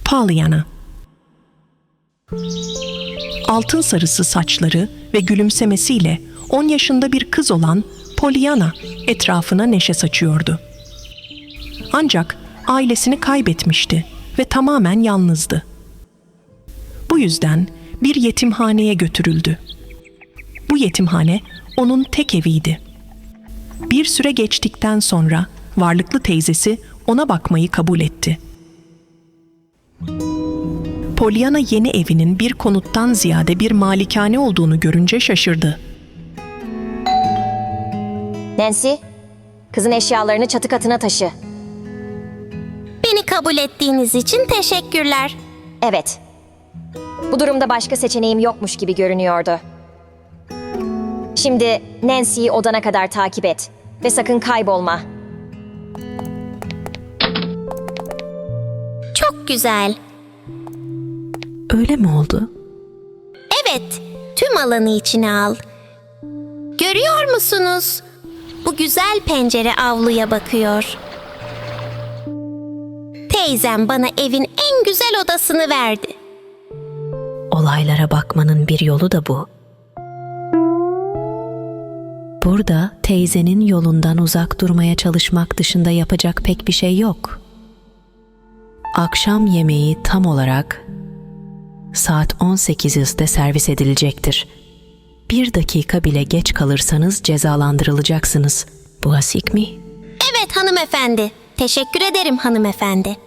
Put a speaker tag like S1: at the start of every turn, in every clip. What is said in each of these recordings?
S1: Pollyanna. Altın sarısı saçları ve gülümsemesiyle 10 yaşında bir kız olan Pollyanna etrafına neşe saçıyordu. Ancak ailesini kaybetmişti ve tamamen yalnızdı. Bu yüzden bir yetimhaneye götürüldü. Bu yetimhane onun tek eviydi. Bir süre geçtikten sonra varlıklı teyzesi ona bakmayı kabul etti. Pollyanna yeni evinin bir konuttan ziyade bir malikane olduğunu görünce şaşırdı.
S2: Nancy, kızın eşyalarını çatı katına taşı.
S3: Beni kabul ettiğiniz için teşekkürler.
S2: Evet. Bu durumda başka seçeneğim yokmuş gibi görünüyordu. Şimdi Nancy'yi odana kadar takip et ve sakın kaybolma.
S3: Çok güzel.
S1: Öyle mi oldu?
S3: Evet, tüm alanı içine al. Görüyor musunuz? Bu güzel pencere avluya bakıyor. Teyzem bana evin en güzel odasını verdi.
S4: Olaylara bakmanın bir yolu da bu. Burada teyzenin yolundan uzak durmaya çalışmak dışında yapacak pek bir şey yok. Akşam yemeği tam olarak saat 18'de servis edilecektir. 1 dakika bile geç kalırsanız cezalandırılacaksınız. Bu asik mi?
S3: Evet hanımefendi. Teşekkür ederim hanımefendi.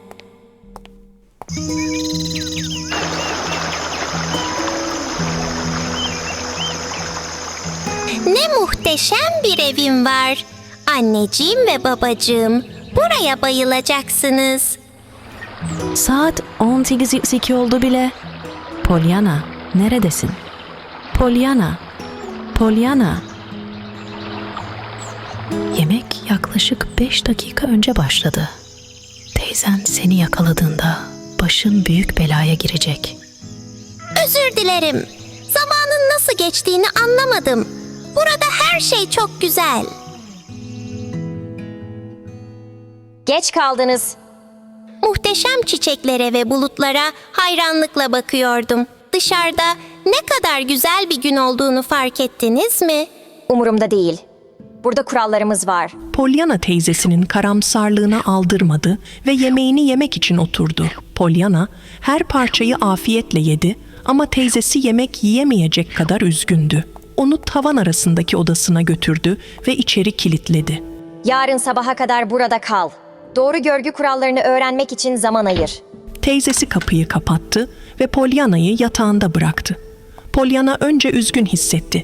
S3: Ne muhteşem bir evim var. Anneciğim ve babacığım, buraya bayılacaksınız.
S4: Saat 18.02 oldu bile. Pollyanna, neredesin? Pollyanna, Pollyanna. Yemek yaklaşık 5 dakika önce başladı. Teyzen seni yakaladığında başın büyük belaya girecek.
S3: Özür dilerim. Zamanın nasıl geçtiğini anlamadım. Burada her şey çok güzel.
S2: Geç kaldınız.
S3: Muhteşem çiçeklere ve bulutlara hayranlıkla bakıyordum. Dışarıda ne kadar güzel bir gün olduğunu fark ettiniz mi?
S2: Umurumda değil. Burada kurallarımız var.
S1: Pollyanna teyzesinin karamsarlığına aldırmadı ve yemeğini yemek için oturdu. Pollyanna her parçayı afiyetle yedi ama teyzesi yemek yiyemeyecek kadar üzgündü. Onu tavan arasındaki odasına götürdü ve içeri kilitledi.
S2: Yarın sabaha kadar burada kal. Doğru görgü kurallarını öğrenmek için zaman ayır.
S1: Teyzesi kapıyı kapattı ve Pollyanna'yı yatağında bıraktı. Pollyanna önce üzgün hissetti.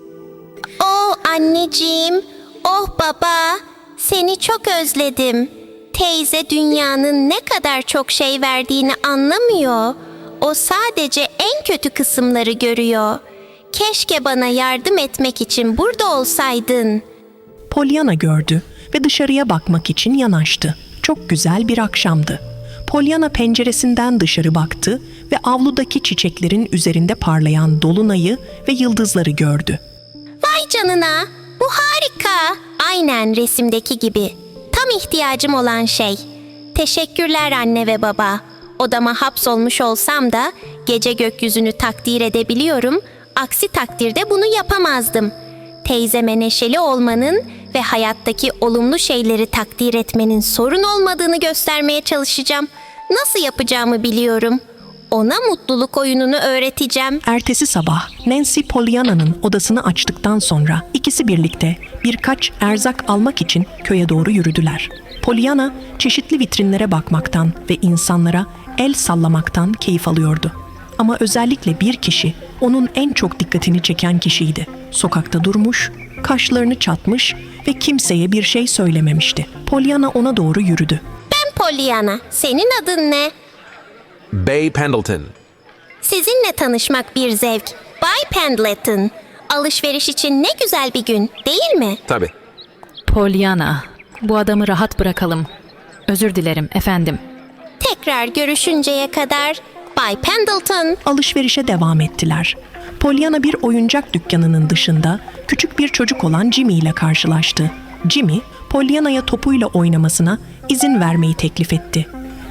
S3: Oh anneciğim, oh baba, seni çok özledim. Teyze dünyanın ne kadar çok şey verdiğini anlamıyor. O sadece en kötü kısımları görüyor. Keşke bana yardım etmek için burada olsaydın.
S1: Pollyanna gördü ve dışarıya bakmak için yanaştı. Çok güzel bir akşamdı. Pollyanna penceresinden dışarı baktı ve avludaki çiçeklerin üzerinde parlayan dolunayı ve yıldızları gördü.
S3: Vay canına, bu harika. Aynen resimdeki gibi. Tam ihtiyacım olan şey. Teşekkürler anne ve baba. Odama hapsolmuş olsam da gece gökyüzünü takdir edebiliyorum. Aksi takdirde bunu yapamazdım. Teyzeme neşeli olmanın ve hayattaki olumlu şeyleri takdir etmenin sorun olmadığını göstermeye çalışacağım. Nasıl yapacağımı biliyorum. Ona mutluluk oyununu öğreteceğim.
S1: Ertesi sabah Nancy Pollyanna'nın odasını açtıktan sonra ikisi birlikte birkaç erzak almak için köye doğru yürüdüler. Pollyanna çeşitli vitrinlere bakmaktan ve insanlara el sallamaktan keyif alıyordu. Ama özellikle bir kişi onun en çok dikkatini çeken kişiydi. Sokakta durmuş, kaşlarını çatmış ve kimseye bir şey söylememişti. Pollyanna ona doğru yürüdü.
S3: Ben Pollyanna. Senin adın ne?
S5: Bay Pendleton.
S3: Sizinle tanışmak bir zevk. Bay Pendleton. Alışveriş için ne güzel bir gün, değil mi?
S5: Tabii.
S4: Pollyanna, bu adamı rahat bırakalım. Özür dilerim efendim.
S3: Tekrar görüşünceye kadar Bay Pendleton.
S1: Alışverişe devam ettiler. Pollyanna bir oyuncak dükkanının dışında küçük bir çocuk olan Jimmy ile karşılaştı. Jimmy, Pollyanna'ya topuyla oynamasına izin vermeyi teklif etti.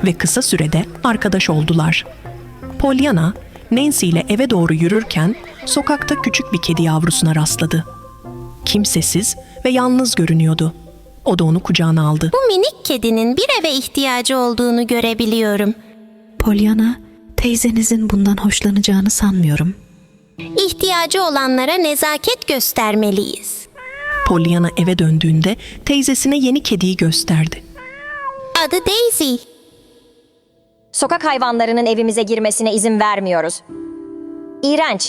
S1: ve kısa sürede arkadaş oldular. Pollyanna, Nancy ile eve doğru yürürken sokakta küçük bir kedi yavrusuna rastladı. Kimsesiz ve yalnız görünüyordu. O da onu kucağına aldı.
S3: Bu minik kedinin bir eve ihtiyacı olduğunu görebiliyorum.
S4: Pollyanna, teyzenizin bundan hoşlanacağını sanmıyorum.
S3: İhtiyacı olanlara nezaket göstermeliyiz.
S1: Pollyanna eve döndüğünde teyzesine yeni kediyi gösterdi.
S3: Adı Daisy.
S2: Sokak hayvanlarının evimize girmesine izin vermiyoruz. İğrenç.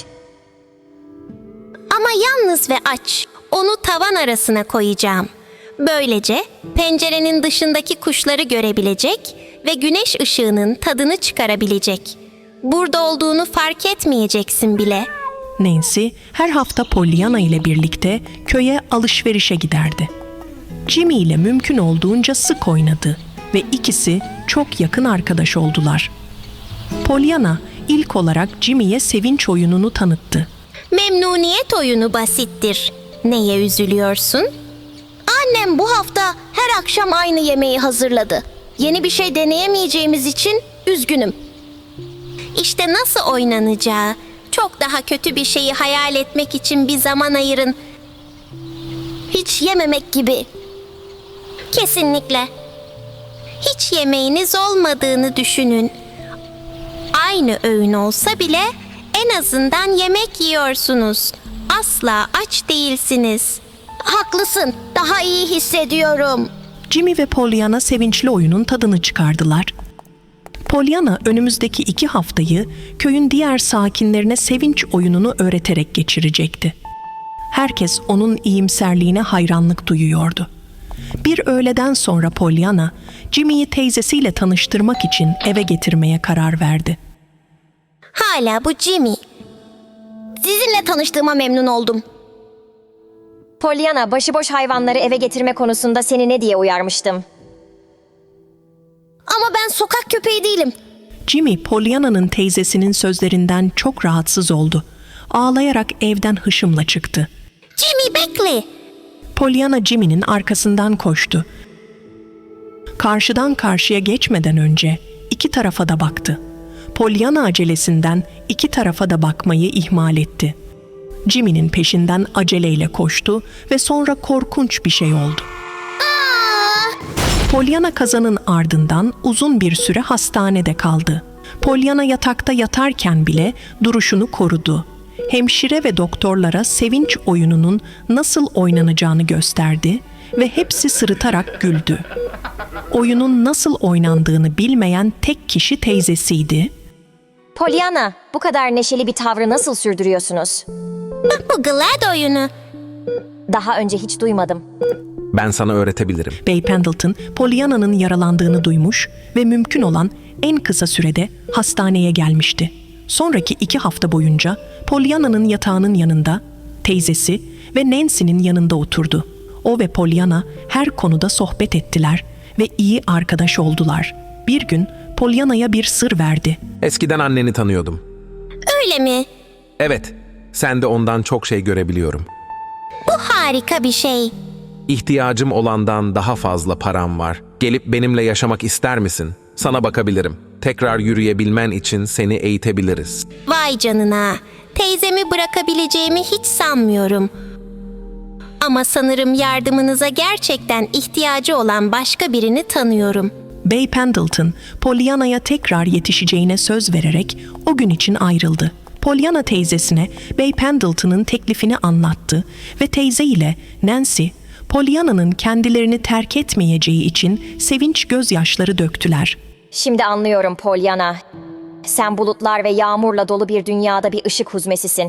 S3: Ama yalnız ve aç. Onu tavan arasına koyacağım. Böylece pencerenin dışındaki kuşları görebilecek ve güneş ışığının tadını çıkarabilecek. Burada olduğunu fark etmeyeceksin bile.
S1: Nancy her hafta Pollyanna ile birlikte köye alışverişe giderdi. Jimmy ile mümkün olduğunca sık oynadı ve ikisi çok yakın arkadaş oldular. Pollyanna ilk olarak Jimmy'ye sevinç oyununu tanıttı.
S3: Memnuniyet oyunu basittir. Neye üzülüyorsun? Annem bu hafta her akşam aynı yemeği hazırladı. Yeni bir şey deneyemeyeceğimiz için üzgünüm. İşte nasıl oynanacağı, çok daha kötü bir şeyi hayal etmek için bir zaman ayırın. Hiç yememek gibi. Kesinlikle. Hiç yemeğiniz olmadığını düşünün. Aynı öğün olsa bile en azından yemek yiyorsunuz. Asla aç değilsiniz. Haklısın, daha iyi hissediyorum.
S1: Jimmy ve Pollyanna sevinçli oyunun tadını çıkardılar. Pollyanna önümüzdeki 2 haftayı köyün diğer sakinlerine sevinç oyununu öğreterek geçirecekti. Herkes onun iyimserliğine hayranlık duyuyordu. Bir öğleden sonra Pollyanna, Jimmy'yi teyzesiyle tanıştırmak için eve getirmeye karar verdi.
S3: Hala bu Jimmy. Sizinle tanıştığıma memnun oldum.
S2: Pollyanna, başıboş hayvanları eve getirme konusunda seni ne diye uyarmıştım?
S3: Ama ben sokak köpeği değilim.
S1: Jimmy, Pollyanna'nın teyzesinin sözlerinden çok rahatsız oldu. Ağlayarak evden hışımla çıktı.
S3: Jimmy bekle.
S1: Pollyanna Jimmy'nin arkasından koştu. Karşıdan karşıya geçmeden önce 2 tarafa da baktı. Pollyanna acelesinden 2 tarafa da bakmayı ihmal etti. Jimmy'nin peşinden aceleyle koştu ve sonra korkunç bir şey oldu. Pollyanna kazanın ardından uzun bir süre hastanede kaldı. Pollyanna yatakta yatarken bile duruşunu korudu. Hemşire ve doktorlara sevinç oyununun nasıl oynanacağını gösterdi ve hepsi sırıtarak güldü. Oyunun nasıl oynandığını bilmeyen tek kişi teyzesiydi.
S2: Pollyanna, bu kadar neşeli bir tavrı nasıl sürdürüyorsunuz?
S3: Bak bu Glad oyunu.
S2: Daha önce hiç duymadım.
S5: Ben sana öğretebilirim.
S1: Bay Pendleton, Pollyanna'nın yaralandığını duymuş ve mümkün olan en kısa sürede hastaneye gelmişti. Sonraki 2 hafta boyunca Pollyanna'nın yatağının yanında, teyzesi ve Nancy'nin yanında oturdu. O ve Pollyanna her konuda sohbet ettiler ve iyi arkadaş oldular. Bir gün Pollyanna'ya bir sır verdi.
S5: Eskiden anneni tanıyordum.
S3: Öyle mi?
S5: Evet, sen de ondan çok şey görebiliyorum.
S3: Bu harika bir şey.
S5: İhtiyacım olandan daha fazla param var. Gelip benimle yaşamak ister misin? Sana bakabilirim. Tekrar yürüyebilmen için seni eğitebiliriz.
S3: Vay canına. Teyzemi bırakabileceğimi hiç sanmıyorum. Ama sanırım yardımınıza gerçekten ihtiyacı olan başka birini tanıyorum.
S1: Bay Pendleton, Pollyanna'ya tekrar yetişeceğine söz vererek o gün için ayrıldı. Pollyanna teyzesine Bay Pendleton'ın teklifini anlattı ve teyze ile Nancy, Pollyanna'nın kendilerini terk etmeyeceği için sevinç gözyaşları döktüler.
S2: Şimdi anlıyorum Pollyanna. Sen bulutlar ve yağmurla dolu bir dünyada bir ışık huzmesisin.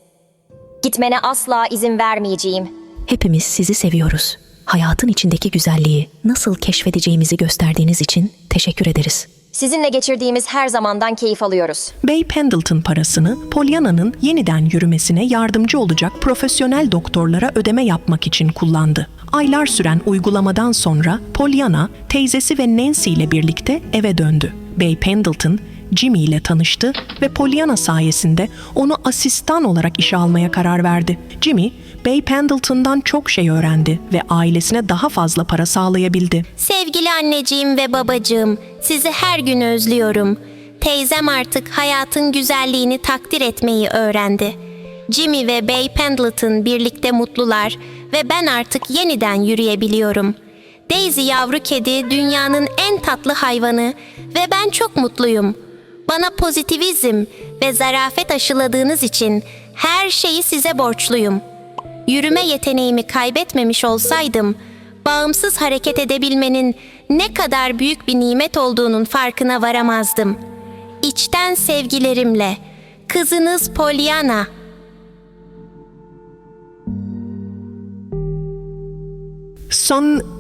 S2: Gitmene asla izin vermeyeceğim.
S4: Hepimiz sizi seviyoruz. Hayatın içindeki güzelliği nasıl keşfedeceğimizi gösterdiğiniz için teşekkür ederiz.
S2: Sizinle geçirdiğimiz her zamandan keyif alıyoruz.
S1: Bay Pendleton parasını Pollyanna'nın yeniden yürümesine yardımcı olacak profesyonel doktorlara ödeme yapmak için kullandı. Aylar süren uygulamadan sonra Pollyanna, teyzesi ve Nancy ile birlikte eve döndü. Bay Pendleton, Jimmy ile tanıştı ve Pollyanna sayesinde onu asistan olarak işe almaya karar verdi. Jimmy, Bay Pendleton'dan çok şey öğrendi ve ailesine daha fazla para sağlayabildi.
S3: Sevgili anneciğim ve babacığım, sizi her gün özlüyorum. Teyzem artık hayatın güzelliğini takdir etmeyi öğrendi. Jimmy ve Bay Pendleton birlikte mutlular ve ben artık yeniden yürüyebiliyorum. Daisy yavru kedi dünyanın en tatlı hayvanı ve ben çok mutluyum. Bana pozitivizm ve zarafet aşıladığınız için her şeyi size borçluyum. Yürüme yeteneğimi kaybetmemiş olsaydım, bağımsız hareket edebilmenin ne kadar büyük bir nimet olduğunun farkına varamazdım. İçten sevgilerimle, kızınız Pollyanna.
S1: Son